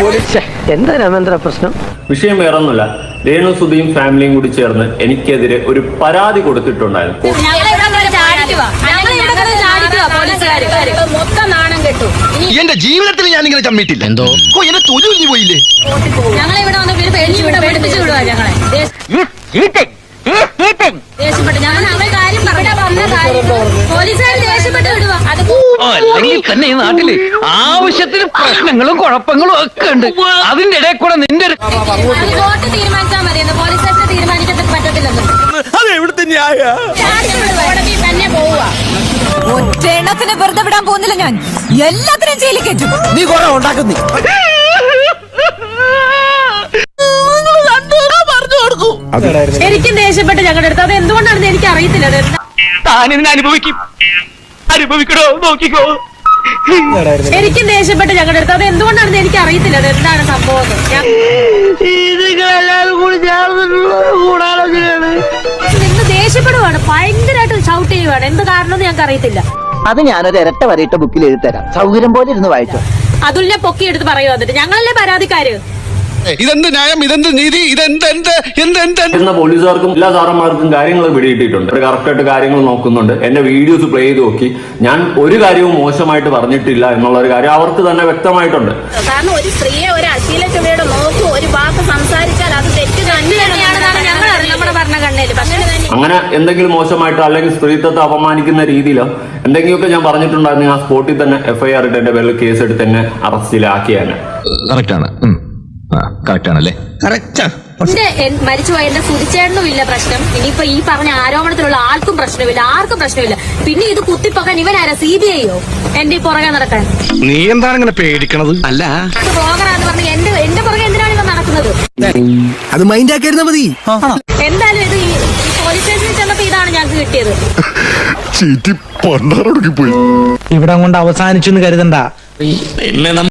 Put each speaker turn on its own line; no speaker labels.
എന്താ രാമേന്ദ്ര പ്രശ്നം?
വിഷയം വേറൊന്നുമില്ല. രേണു സുധിയും ഫാമിലിയും കൂടി ചേർന്ന് എനിക്കെതിരെ ഒരു പരാതി കൊടുത്തിട്ടുണ്ടായിരുന്നു.
എന്റെ ജീവിതത്തിൽ ഞാൻ ഇങ്ങനെ ചമ്മിട്ടില്ല. എന്തോ എന്നെ തൊഴിൽ പോയില്ലേ.
അല്ലെങ്കിൽ തന്നെ ഈ നാട്ടില് ആവശ്യത്തിന് പ്രശ്നങ്ങളും കുഴപ്പങ്ങളും ഒക്കെ ഉണ്ട്. അതിന്റെ ഇടയിൽ കൂടെ നിന്റെ
തീരുമാനിച്ചാൽ മതി. പോലീസ് തീരുമാനിക്കാൻ പറ്റത്തില്ലെന്ന് തന്നെ പോവുക.
ഒറ്റെണ്ണത്തിന് വെറുതെ വിടാൻ പോകുന്നില്ല ഞാൻ. എല്ലാത്തിനും ജയിലിൽ കയറ്റും.
നീ കുറെ ഉണ്ടാക്കുന്നേ.
എനിക്കും ദേഷ്യപ്പെട്ട് ഞങ്ങളുടെ അടുത്ത്. അത് എന്തുകൊണ്ടാണെന്ന് എനിക്ക് അറിയത്തില്ല.
താനിതിനെ അനുഭവിക്കണോ നോക്കിക്കോ.
എനിക്കും ദേഷ്യപ്പെട്ട് ഞങ്ങളുടെ അടുത്ത്. അത് എന്തുകൊണ്ടാണെന്ന് എനിക്ക് അറിയത്തില്ല. അത് എന്താണ് സംഭവം? നിന്ന് ദേഷ്യപ്പെടുവാണ്, ഭയങ്കരമായിട്ട് ഷൗട്ട് ചെയ്യുവാണ്. എന്ത് കാരണം ഞങ്ങൾക്ക് അറിയത്തില്ല.
അത് ഞാനൊരു ഇരട്ട വരയിട്ട ബുക്കിൽ എഴുതി തരാം. സൗകര്യം പോലെ ഇരുന്ന് വായിച്ചോ.
അതുലിനെ പൊക്കി എടുത്ത് പറയുക. എന്നിട്ട് ഞങ്ങളല്ലേ പരാതിക്കാര്.
ഇതെന്ത് ന്യായം, ഇതെന്ത് നീതി,
എന്ന പോലീസുകാർക്കും എല്ലാ സാറന്മാർക്കും കാര്യങ്ങൾ പിടിയിട്ടിട്ടുണ്ട്. കറക്റ്റായിട്ട് കാര്യങ്ങൾ നോക്കുന്നുണ്ട്. എന്റെ വീഡിയോസ് പ്ലേ ചെയ്ത് നോക്കി ഞാൻ ഒരു കാര്യവും മോശമായിട്ട് പറഞ്ഞിട്ടില്ല എന്നുള്ള ഒരു കാര്യം അവർക്ക് തന്നെ വ്യക്തമായിട്ടുണ്ട്.
കാരണം ഒരു സ്ത്രീയെ ഒരു അശ്ലീല ചുവയോടെ നോക്കൂ, ഒരു വാക്ക് സംസാരിച്ചാൽ അത് തെറ്റ് തന്നെയാണെന്നാണ് ഞങ്ങൾ നമ്മുടെ ഭരണഘടനയിൽ. പക്ഷേ
അങ്ങനെ എന്തെങ്കിലും മോശമായിട്ടോ അല്ലെങ്കിൽ സ്ത്രീത്വത്തെ അപമാനിക്കുന്ന രീതിയിലോ എന്തെങ്കിലുമൊക്കെ ഞാൻ പറഞ്ഞിട്ടുണ്ടായിരുന്നു, ആ സ്പോട്ടിൽ തന്നെ FIR ഇട്ട് എന്റെ പേരിൽ കേസ് എടുത്ത് എന്നെ അറസ്റ്റിലാക്കിയാണ്.
മരിച്ചുപോയ എന്റെ സുധിച്ചേട്ടനും ഇല്ല പ്രശ്നം. ഇനിയിപ്പോ ഈ പറഞ്ഞ ആരോപണത്തിലുള്ള ആർക്കും പ്രശ്നമില്ല, ആർക്കും പ്രശ്നമില്ല. പിന്നെ ഇത് കുത്തിപ്പൊക്കാൻ ഇവനാരാ? CBI-യോ എന്റെ പുറകെ നടക്കാൻ?
നീ എന്താണ് ഇങ്ങനെ പേടിക്കണത്? അല്ല
ബ്ലോഗറാന്ന് പറഞ്ഞ് എന്റെ പുറകെ എന്തിനാണ് ഇവ നടക്കുന്നത്?
അത് മൈൻഡ് ആക്കിയിരുന്നാ മതി.
എന്തായാലും ഇത് പോലീസ് സ്റ്റേഷനിൽ ചെന്നപ്പോ ഇതാണ് ഞങ്ങൾക്ക് കിട്ടിയത്.
പോയി
ഇവിടെ കൊണ്ട് അവസാനിച്ചു കരുതണ്ട.